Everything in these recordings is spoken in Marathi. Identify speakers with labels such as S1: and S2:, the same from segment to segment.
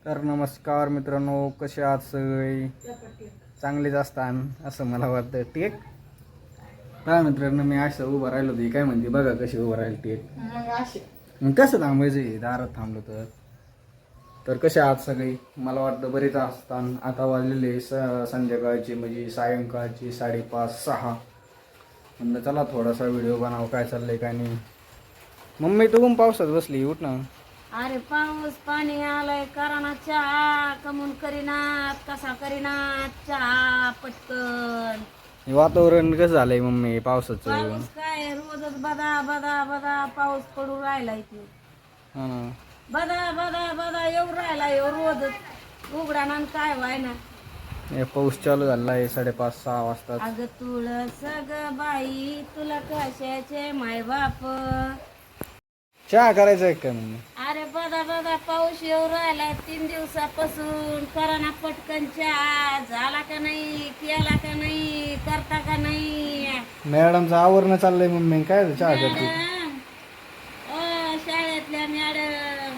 S1: तर नमस्कार मित्रांनो, कसे आहात सगळे? चांगलेच असतात असं मला वाटतं. टेक काय मित्रांनो, मी असं उभं राहिलो होती काय म्हणते बघा कशी उभं राहील टेक. मग कसं थांबायचं दारात थांबलो तर कसे आहात सगळे? मला वाटतं बरेच असतात. आता वाजलेले संध्याकाळचे म्हणजे सायंकाळचे 5:30-6. म्हणलं चला थोडासा व्हिडिओ बनाव, काय चाललंय काय नाही. मम्मी तू पण पावसात बसली, उठ ना.
S2: अरे पाऊस पाणी आलाय, कराना चहा, कमून करीनात, कसा करीनात चहा पटकन.
S1: हे वातावरण कसं झालंय मम्मी पावसाचं?
S2: पाऊस काय रोजच बदा बदा बदा पाऊस पडू राहिलाय की
S1: हा ना.
S2: बदा बदा बदा येऊ राहिलाय रोजच उघडाना काय व्हायना.
S1: हे पाऊस चालू झाला आहे 5:30-6 वाजता.
S2: अगं तुळस ग बाई तुला कशाचे माय बाप.
S1: चहा करायचा आहे का मम्मी?
S2: अरे बदा बदा पाऊस येऊ राहिलाय 3 दिवसापासून. कराना पटकन चहा झाला का नाही, केला का नाही, करता का नाही?
S1: मॅडमचं आवरणं चाललंय मम्मी, काय चहा करते?
S2: मॅडम, शाळेतल्या मॅडम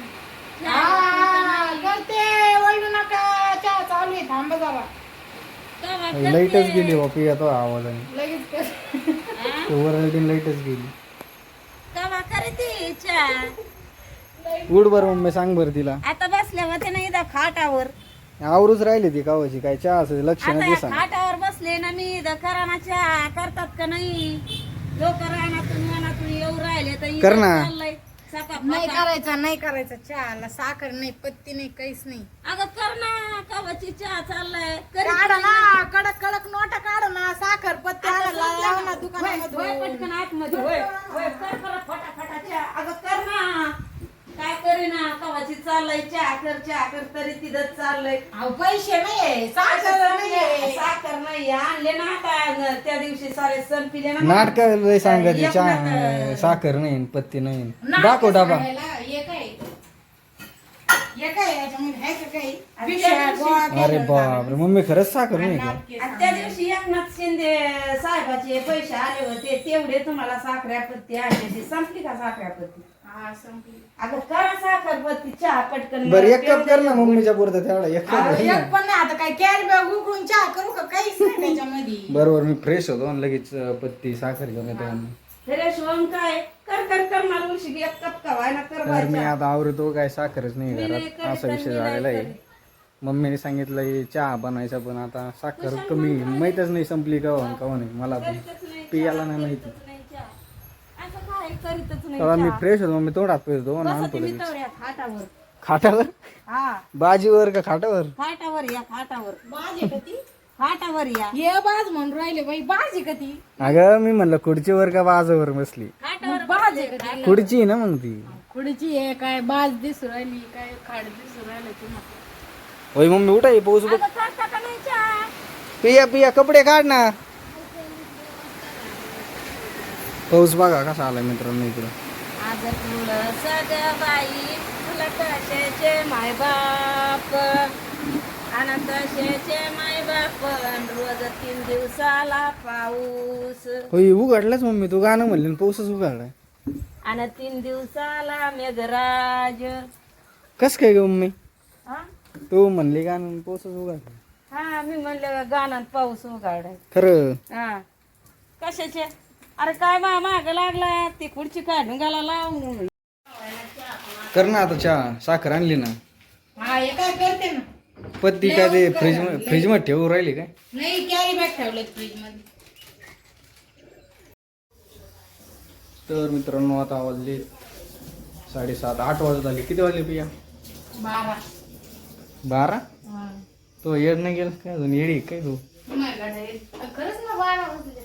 S3: करते वळू नका, चहा चालू आहे, थांबा जरा.
S1: लाईटच गेली बापी येतो आवाजाने.
S3: लगेच कर.
S1: ओव्हरऑल लाईटच गेली.
S2: कवा करते चहा?
S1: उठ बरं मम्मी, सांग बरं तिला.
S2: आता बसल्या होते ना इथं खाटावर.
S1: आवरूच राहिली ती कावाची, काय चहा असं लक्ष
S2: आता
S1: नाही
S2: या
S1: दिसा.
S2: खाटावर बसले ना मी इथं. कराना चहा करतात का नाही? लोक रानातून मनातून येऊ राहिले तर इथं
S1: कर ना.
S2: चाललंय सकाळ
S3: नाही करायचा, नाही करायचा चहाला. साखर नाही, पत्ती नाही, काहीच नाही.
S2: अगं कर ना, कवाची चहा चाललाय.
S3: काढा ना, कडक कडक नोटा काढा ना, साखर पत्ती आणायला लावा ना
S2: होय,
S3: दुकानामध्ये.
S2: पटकन आतमध्ये होय होय, कर कर फटाफटा चहा. अगं कर ना, काय करीना कवाची चाललंय चहा कर तरी तिथं चाललंय.
S3: अहो, पैसे नाहीये, साखर नाहीये.
S2: साखर नाही आणले ना आता त्या दिवशी सारे सण पिले ना.
S1: नाटक लय सांगायची,
S2: एक
S1: चहा
S2: नाटक.
S1: साखर नाही पत्ती नाही.
S3: नाटकं
S1: दाखव डाबा.
S3: सांगायला, हे काय? हे काय याच्यामध्ये आहे का काही?
S2: आणि
S3: पिशव्या,
S2: त्या दिवशी-
S3: गोळा
S1: अरे
S3: केलेलं
S1: बापरे मम्मी, खरंच साखर नाही का?
S3: नाटके
S2: आणि त्या दिवशी एकनाथ शिंदे साहेबाचे पैसे आले होते तेवढे तुम्हाला साखऱ्यापत्ती आली, संपली का साखऱ्यापत्ती?
S3: हा, संपली.
S2: अगं करा साखरपत्ती चहा पटकन.
S1: बरं एक कप कर ना मम्मीच्या पुरतं, तेवढा एक कप
S3: अहो,
S1: घाल ना.
S3: एक पण नाही, आता काय कॅरी बॅग उघडून चहा करू का? काहीच नाही त्याच्यामध्ये.
S1: बरोबर, मी फ्रेश होतो आणि लगेच पत्ती साखर घेऊन येतो.
S2: फ्रेश होऊन काय कर मला उलशी एक कप का व्हायना कर
S1: तर मी
S2: बायचा.
S1: आता आवरतो, काय साखरच नाही
S2: मी नाही
S1: घरात,
S2: करीत
S1: असा
S2: आणि
S1: विषय
S2: मी नाही
S1: झालेला आहे.
S2: करीत.
S1: मम्मीने सांगितलं चहा बनायचा, पण आता साखर कमी, माहीतच नाही संपली का नाही मला पण
S2: करीतच नाही
S1: पियाला
S2: चहा,
S1: नाही माहिती.
S2: करीतच नाही चहा. असं काय करीतच नाही
S1: तेव्हा मी
S2: चहा.
S1: फ्रेश होतो, मी तोंडात पेरतो आणि
S2: बसा
S1: आणतो
S2: तुम्ही
S1: लगेच.
S2: तवऱ्यात खाटावर.
S1: खाटावर?
S2: हा
S1: बाजीवर का खाटावर?
S2: खाटावर या खाटावर.
S3: बाज आहे का ती?
S2: खाटावर या
S3: ये बाज म्हणून राहिले बाई, बाज आहे का ती?
S1: अगं मी म्हणलं खुर्चीवर का बाजावर बसली?
S2: खाटावर
S3: बाज आहे का ती?
S1: खुर्ची आहे ना मग ती.
S3: खुडची आहे काय? बाज दिसू राहिली काय? खाड दिसू राहिलं तुम्हाला?
S1: होय मम्मी उठा, पाऊस बघ.
S2: अगं करता का नाही चहा?
S1: पिया कपडे काढ ना. पाऊस बघा कसा आलाय मित्रांनो इकडं.
S2: आज तुला सगळं बाई तुला कशाचे माय बाप, आणि कशाचे माय बाप. रोज 3 दिवसाला पाऊस,
S1: होय उघडलाच मम्मी, तू गाणं म्हणली आणि पाऊसच उघडलाय.
S2: आणि 3 दिवसाला मेघराज.
S1: कस काय ग मम्मी?
S2: हा
S1: तू म्हणली गाणं आणि पाऊसच उघडलाय.
S2: हा, मी म्हणलं गाण्यात पाऊस उघडाय.
S1: खरं?
S2: हा कशाचे? अरे काय माग लागला ती खुर्ची काढून गाला लावून.
S1: कर ना आता चहा, साखर आणली ना.
S3: हा, हे काय करते ना?
S1: पत्ती काय ते फ्रीज मध्ये ठेवू राहिली काय?
S3: नाही, कॅरी बॅग ठेवलं फ्रीज मध्ये.
S1: तर मित्रांनो आता वाजले 7:30, 8 वाजत आले. किती वाजले पिया?
S3: 12.
S1: 12?
S3: हा.
S1: तो येड नाही गेला काय अजून? येडी आहे काय तू?
S3: खरंच ना, 12 वाजले.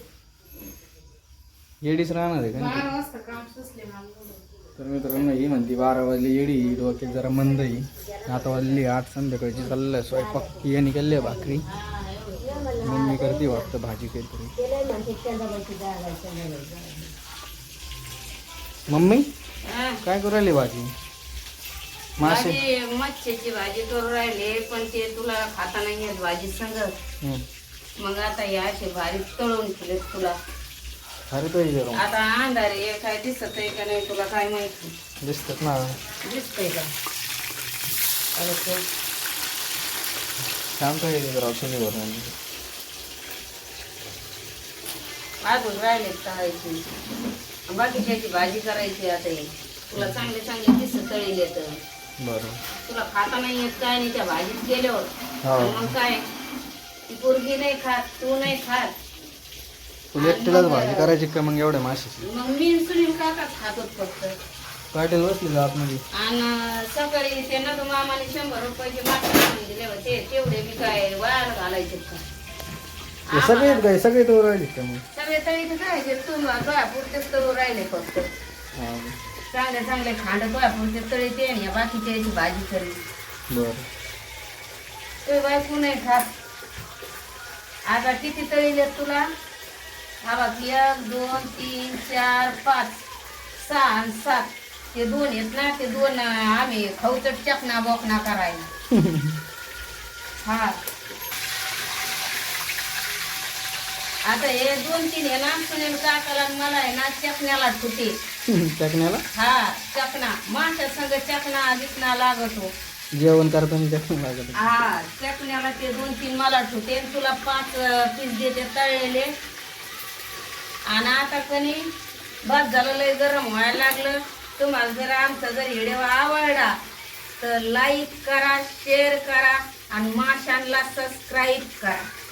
S1: येडीच राहणार आहे का?
S3: 12 वाजता काम सुचले मला.
S1: तर मित्रांनो ही म्हणते 12 वाजले येडी, डोक्यात जरा मंद आहे. आता वाजली 8 संध्याकाळची. चाललंय स्वयंपाक, या निघाली भाकरी, मम्मी करते वाटतं भाजी काहीतरी. मम्मी काय करू राहिली भाजी? मासे?
S2: भाजी मच्छीची भाजी करू राहिले, पण ते तुला खाता नाही येत भाजी संग.
S1: हं.
S2: मग आता या अशी भारी तळून ठेवले तुला.
S1: अरे तो जरा
S2: आता अंधार आहे, काय दिसत आहे का नाही तुला काय माहिती?
S1: दिसतात ना.
S2: दिसतंय का? अरे ते
S1: छान काय राव शनिवार
S2: अजून राहिले तळायची बाकीच्याची भाजी करायची आता हे. तुला चांगले चांगले किस्से तळील येत
S1: बरं
S2: तुला खाता नाही येत काय नाही त्या भाजीत गेल्यावर
S1: हो.
S2: मग काय ती पोरगी नाही खात तू नाही खात
S1: तुला एकटीलाच भाजी करायची का मग एवढ्या माशाची
S2: मग मी सुनील काकाच खात होत फक्त
S1: पाटील बसली का आतमध्ये
S2: आणि सकाळी ते ना तू मामाने 100 रुपयाचे मासे आणून दिले होते तेवढे मी काय वायाला घालायचे का
S1: हे सगळे काय सगळे तो राहिले का मग
S2: सगळे तळी काय तुला पुरतेच तळू राहिले फक्त
S1: हा
S2: चांगले चांगले खांड पुरते तळी ते आणि या बाकीच्या याची भाजी तरी
S1: बरं
S2: ते बायको नाही खात आता किती तळीले तुला हा बघ 1 2 3 4 5 6 आणि 7 ते 2 आहेत ना ते 2 आम्ही खाऊचट चकना बोकना करायला हा आता हे 2-3 आहे ना सुनील काकाला आणि मला आहे ना चकण्याला ठुते
S1: चकण्याला
S2: हा चकना माणसा संग चकना बिकना लागतो
S1: जेवण करताना चकणं लागत
S2: हा चकण्याला ते 2-3 मला ठुते आणि तुला 5 पीस देते तळलेले आणि आता कणी भात झालं लय गरम व्हायला लागलं तुम्हाला जर आमचा जर व्हिडिओ आवडला तर लाईक करा शेअर करा आणि माशांना सबस्क्राईब करा